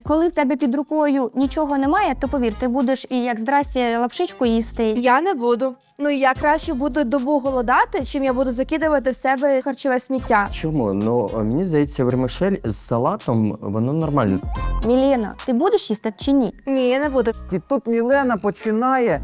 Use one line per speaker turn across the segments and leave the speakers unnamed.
Коли в тебе під рукою нічого немає, то повір, ти будеш і як здрасте лапшичку їсти.
Я не буду. Ну, я краще буду добу голодати, чим я буду закидувати в себе харчове сміття.
Чому? Ну, мені здається, вермишель з салатом, воно нормально.
Мілена, ти будеш їсти чи ні?
Ні, я не буду.
І тут Мілена починає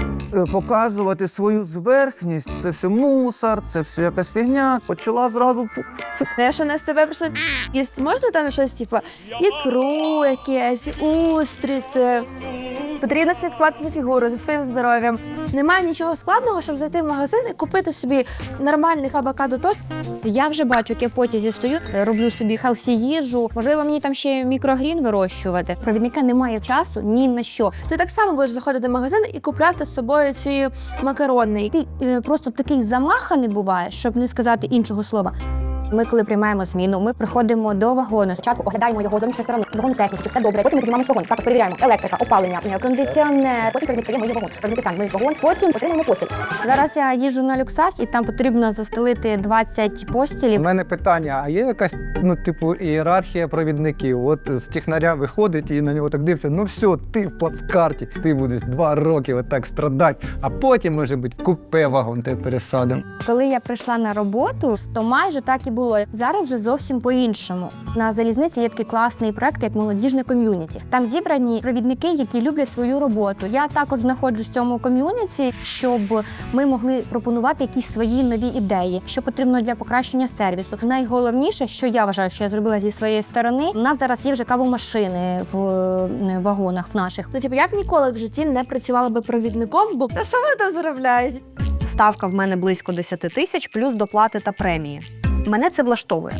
показувати свою зверхність. Це все мусор, це все якась фігня. Почала зразу.
Я що не з тебе прийшла їсти. Можна там щось, типу, ікру якесь, устриці. Потрібно слідкувати за фігурою, за своїм здоров'ям. Немає нічого складного, щоб зайти в магазин і купити собі нормальний авокадо-тост.
Я вже бачу, як я в потязі стою, роблю собі хелсі їжу. Можливо, мені там ще мікрогрін вирощувати. Провідника немає часу ні на що.
Ти так само будеш заходити в магазин і купляти з собою ці макарони.
Ти просто такий замаханий буваєш, щоб не сказати іншого слова. Ми, коли приймаємо зміну, ми приходимо до вагону. Спочатку оглядаємо його з зовнішньої сторони, вагон техніки, чи все добре. Потім ми піднімаємося вагон. Також перевіряємо електрика, опалення, кондиціонер. Потім перемістаємо його вагон. Перевірки сам миють вагон. Потім отримуємо постіль. Зараз я їжджу на люксах, і там потрібно застелити 20
У
постілів.
мене питання, а є якась, ієрархія провідників? От з технаря виходить і на нього так дивиться, ну все, ти в плацкарті, ти будеш 2 роки отак страдати, а потім, може бути, купе вагон тебе пересадимо.
Коли я прийшла на роботу, то майже так і було. Зараз вже зовсім по-іншому. На залізниці є такий класний проект, як молодіжне ком'юніті. Там зібрані провідники, які люблять свою роботу. Я також знаходжусь в цьому ком'юніті, щоб ми могли пропонувати якісь свої нові ідеї, що потрібно для покращення сервісу. Найголовніше, що я вважаю, що я зробила зі своєї сторони, у нас зараз є вже кавомашини в вагонах в наших.
Ну, типу, я б ніколи в житті не працювала би провідником, бо що вони там заробляють?
Ставка в мене близько 10 тисяч, плюс доплати та премії. Мене це влаштовує.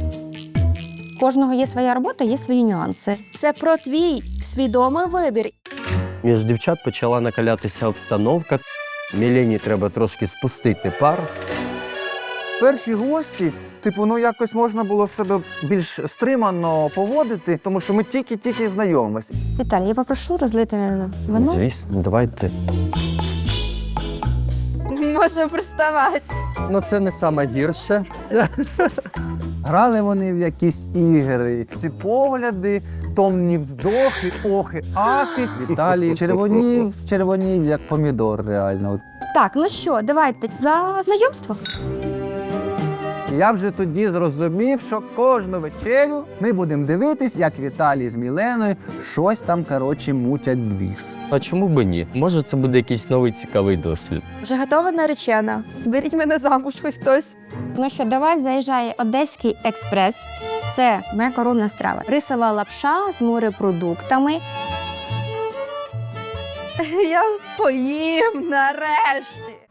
У кожного є своя робота, є свої нюанси.
Це про твій свідомий вибір.
Між дівчат почала накалятися обстановка. Мілені треба трошки спустити пар.
Перші гості, якось можна було себе більш стримано поводити, тому що ми тільки знайомимося.
Віталій, я попрошу розлити вино.
Звісно, давайте.
Можу приставати.
Ну, це не саме гірше.
Грали вони в якісь ігри. Ці погляди, томні вздохи, охи, ахи. Віталій червонів, як помідор, реально.
Так, ну що, давайте за знайомство.
Я вже тоді зрозумів, що кожну вечерю ми будемо дивитись, як Віталій з Міленою щось там, мутять двіж.
А чому б ні? Може, це буде якийсь новий цікавий досвід.
Вже готова наречена. Беріть мене замуж, хоч хтось.
Ну що, до вас заїжджає Одеський експрес. Це моя коронна страва. Рисова лапша з морепродуктами.
Я поїм нарешті.